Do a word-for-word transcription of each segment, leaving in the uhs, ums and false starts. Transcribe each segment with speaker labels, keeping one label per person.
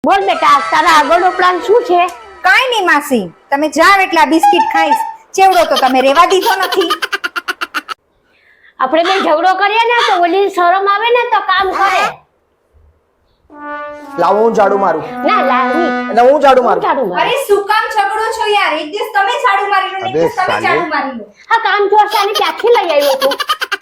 Speaker 1: બોલ બેટા, તારા આગળનો પ્લાન શું છે?
Speaker 2: કાઈ નહીં માસી, તમે જાવ એટલા બિસ્કિટ ખાઈશ. ચેવડો તો તમે રેવા દીધો નથી.
Speaker 1: આપણે બે ઝઘડો કરીએ ને તો ઓલી શરમ આવે ને તો કામ કરે.
Speaker 3: લાવો હું ઝાડુ મારું.
Speaker 1: ના લાવી
Speaker 3: એટલે હું ઝાડુ મારું.
Speaker 1: ઝાડુ માર.
Speaker 2: અરે શું કામ ઝઘડો છો યાર? એક દિવસ તમે ઝાડુ મારી લો ને એક દિવસ તમે ઝાડુ મારી લો.
Speaker 1: હા, કામ ચોરસાને ક્યાંથી લઈ આવ્યો તું?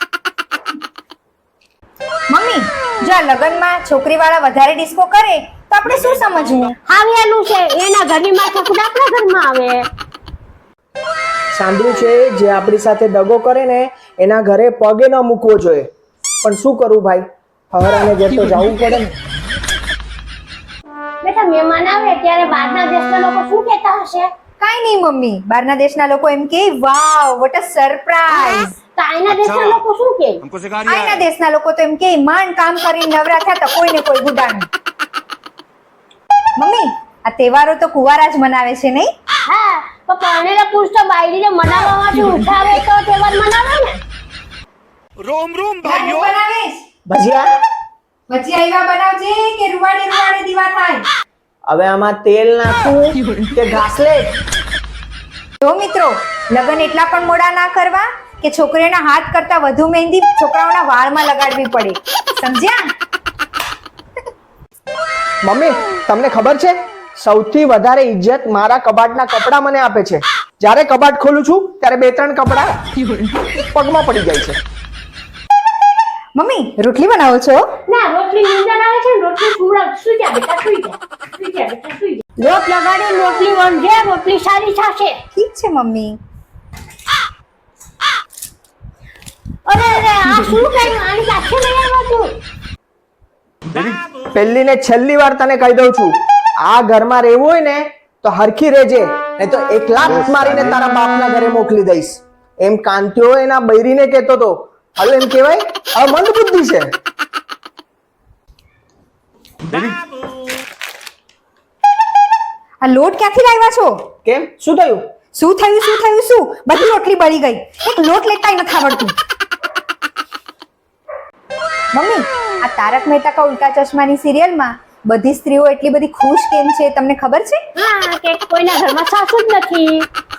Speaker 2: મમ્મી, જો આ લગનમાં છોકરીવાળા વધારે ડિસ્કો કરે તો આપણે શું સમજવું?
Speaker 1: હાવેલું છે એના ઘરની માં છોકરા આપણા ઘરમાં આવે.
Speaker 3: સાંભળ્યું છે જે આપણી સાથે દગો કરે ને એના ઘરે પગે ન મૂકવો જોઈએ. પણ શું કરું ભાઈ, હરાને ઘેર તો જવું પડે ને.
Speaker 1: બેટા, મહેમાન આવે ત્યારે બહારના દેશના લોકો શું કહેતા હશે?
Speaker 2: કાઈ નહીં મમ્મી, બહારના દેશના લોકો એમ કે વાવ વોટ અ સરપ્રાઈઝ.
Speaker 1: તો આઈના દેશના લોકો શું કહે?
Speaker 2: આઈના દેશના લોકો તો એમ કે માંડ કામ કરીને નવરા થયા તો કોઈને કોઈ ગુડાનું. મમ્મી, આ તહેવારો તો કુંવારા જ મનાવે છે નહીં?
Speaker 1: હા, તો પરણેલા પુરુષ તો બાયડીને મનાવવામાંથી ઉઠાવે તો તહેવાર મનાવે ને.
Speaker 4: રોમ રોમ ભાઈઓ.
Speaker 2: બનાવેશ
Speaker 3: ભજીયા
Speaker 2: ભજીયા એવા બનાવજે કે રૂવાડે રૂવાડે દીવા થાય.
Speaker 3: હવે આમાં તેલ નાખું કે ઘાસલેટ?
Speaker 2: જો મિત્રો, લગન એટલા પણ મોડા ના કરવા કે છોકરીઓના હાથ કરતા વધુ મહેંદી છોકરાઓના વાળમાં લગાડવી પડે. સમજ્યા?
Speaker 3: મમ્મી, તમને ખબર છે સૌથી વધારે ઇજ્જત મારા કબાટના કપડા મને આપે છે. જ્યારે કબાટ ખોલું છું ત્યારે બે ત્રણ કપડા પગમાં પડી જાય છે.
Speaker 2: મમ્મી, રોટલી બનાવો છો?
Speaker 1: ના, રોટલી નીંદર આવે છે ને રોટલી સુડા સુઈ જા બેટા, સુઈ જા. સુઈ જા બેટા, સુઈ જા. લોટ લગાડી રોટલી વણજે, રોટલી સારી થશે.
Speaker 2: ઠીક છે મમ્મી.
Speaker 1: અરે અરે, આ શું કર્યું? આની સાથે નહીં આવતું.
Speaker 3: પહેલી ને છેલ્લી વાર તને કહી દઉં છું, આ ઘરમાં રહેવું હોય ને તો હરખી રહેજે, નહીં તો એક લાખ મારીને તારા બાપના ઘરે મોકલી દઈશ. એમ કાંત્યો એના બૈરીને કહેતો તો, હવે એમ કહેવાય હવે મંદ બુદ્ધિ છે.
Speaker 2: આ લોટ ક્યાંથી લાવ્યા છો?
Speaker 3: કેમ, શું થયું?
Speaker 2: શું થયું શું થયું શું? બધી રોટલી બળી ગઈ. એક લોટ લેતા નથી આવડતું. મમ્મી, આ તારક મહેતા કા ઉલ્ટા ચશ્માની સિરિયલમાં બધી સ્ત્રીઓ એટલી બધી ખુશ કેમ છે તમને ખબર છે?
Speaker 1: હા, કે કોઈના ઘરમાં સાસુ જ નથી.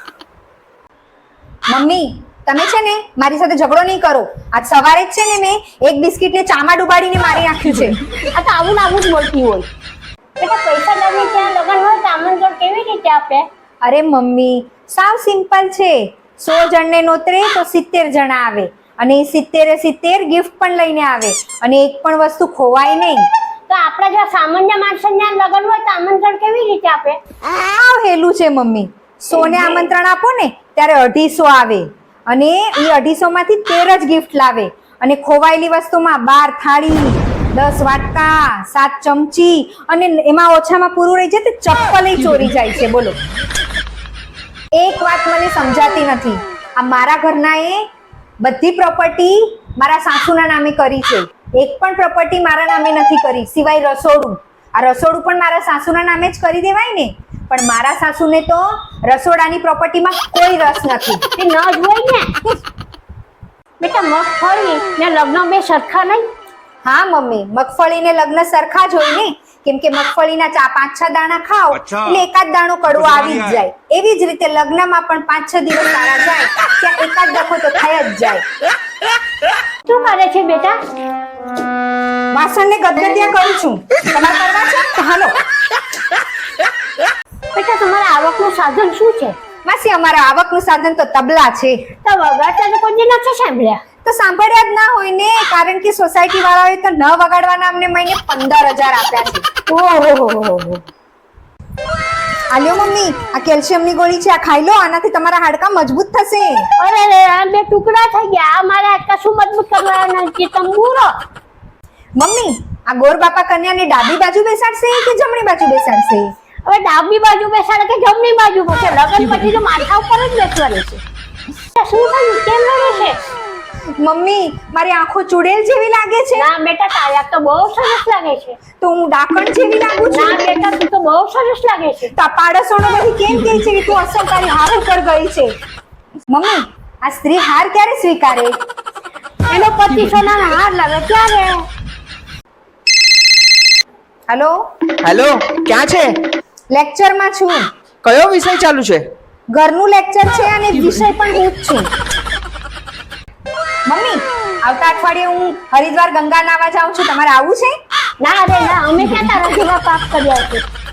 Speaker 2: મમ્મી, તમે છે ને મારી સાથે ઝઘડો નહીં કરો. આજ સવારે જ છે ને મેં એક બિસ્કિટને ચામાં ડુબાડીને મારી નાખ્યું છે.
Speaker 1: આ તો આવું ને આવું જ બોલતી હોય. બેટા, પૈસા લાવી ત્યાં લગન હોય તો આમંત્રણ કેવી રીતે આપે?
Speaker 2: અરે મમ્મી, સાવ સિમ્પલ છે. સો જણને નોતરે તો સિત્તેર જણા આવે અને એ સિત્તેરે સિત્તેર ગિફ્ટ પણ લઈને આવે અને એક પણ વસ્તુ ખોવાય નહીં.
Speaker 1: તો આપણા જેવા સામાન્ય માણસોના લગન હોય તો આમંત્રણ કેવી રીતે આપે?
Speaker 2: સાવ હેલું છે મમ્મી. સો ને આમંત્રણ આપો ને ત્યારે અઢીસો આવે અને એ અઢીસો માંથી તેર જ ગિફ્ટ લાવે અને ખોવાયેલી વસ્તુમાં બાર થાળી, દસ વાટકા, સાત ચમચી અને એમાં ઓછામાં પૂરું રહી જાય તો ચપ્પલ ચોરી જાય છે. બોલો, એક વાત મને સમજાતી નથી. આ મારા ઘરના એ બધી પ્રોપર્ટી મારા સાસુના નામે કરી છે. એક પણ પ્રોપર્ટી મારા નામે નથી કરી સિવાય રસોડું. આ રસોડું પણ મારા સાસુના નામે જ કરી દેવાય ને, પણ મારા સાસુને તો રસોડાની પ્રોપર્ટીમાં કોઈ રસ નથી.
Speaker 1: તે ન જ હોય ને. બેટા, મગફળી ને લગ્ન બે સરખા નહીં?
Speaker 2: હા મમ્મી, મગફળી ને લગ્ન સરખા જ હોય ને, કેમ કે મગફળીના ચા પાંચ છ દાણા ખાઓ એટલે એકાદ દાણો કડવો આવી જ જાય. એવી જ રીતે લગ્નમાં પણ પાંચ છ દિવસ સારા જાય ત્યાં એકાદ ડખો તો થઈ જ જાય.
Speaker 1: શું કરે છે બેટા?
Speaker 2: વાસણને ગદગદિયા કરું છું. તમારે કરવા છે તો હાલો.
Speaker 1: બેટા, તમારા આવકનું સાધન શું છે?
Speaker 2: માસી, અમારા આવકનું સાધન તો તબલા છે.
Speaker 1: તો વગાડતા તો કોઈ દી નથી સાંભળ્યા.
Speaker 2: તો સાંભળ્યા જ ના હોય ને, કારણ કે સોસાયટી વાળાઓએ તો ન વગાડવાના અમને મહિને પંદર હજાર આપ્યા છે.
Speaker 1: ઓહો,
Speaker 2: આલ્યો મમ્મી, આ કેલ્શિયમની ગોળી છે, આ ખાઈ લો. આનાથી તમારા હાડકા મજબૂત થશે.
Speaker 1: અરે રે, આ બે ટુકડા થઈ ગયા. આ મારા હાડકા શું મજબૂત કરવાના છે? તંબુરો.
Speaker 2: મમ્મી, આ ગોર બાપા કન્યાને ડાબી બાજુ બેસાડશે કે જમણી બાજુ બેસાડશે?
Speaker 1: હવે ડાબી બાજુ બેસાડે કે જમણી બાજુ બેસે? લગન પછી તો માથા ઉપર જ બેસવાની છે. શું થયું? કેમ રડે છે?
Speaker 2: મમ્મી, મારી આંખો ચુડેલ જેવી લાગે છે.
Speaker 1: ના બેટા, તારી તો બહુ સરસ લાગે છે.
Speaker 2: તો હું ડાકણ જેવી લાગુ છું?
Speaker 1: ના બેટા, તું તો બહુ સરસ લાગે છે.
Speaker 2: તો પાડોશોનો બધી કેમ કહે છે કે તું અસલ તારી હાર ઉપર ગઈ છે? મમ્મી, આ સ્ત્રી હાર ક્યારે સ્વીકારે?
Speaker 1: એનો પતિ સોનાના હાર લાવે ત્યારે.
Speaker 2: હેલો,
Speaker 3: હેલો, ક્યાં છે?
Speaker 2: લેક્ચરમાં છું.
Speaker 3: કયો વિષય ચાલુ છે?
Speaker 2: ઘરનું લેક્ચર છે અને વિષય પણ હું જ છું. મમ્મી, આવતા અઠવાડિયે હું હરિદ્વાર ગંગા નાવા જાઉં છું. તમારે આવવું છે?
Speaker 1: ના રે ના, અમે ક્યાં તારા જેવા પાપ કર્યા છે.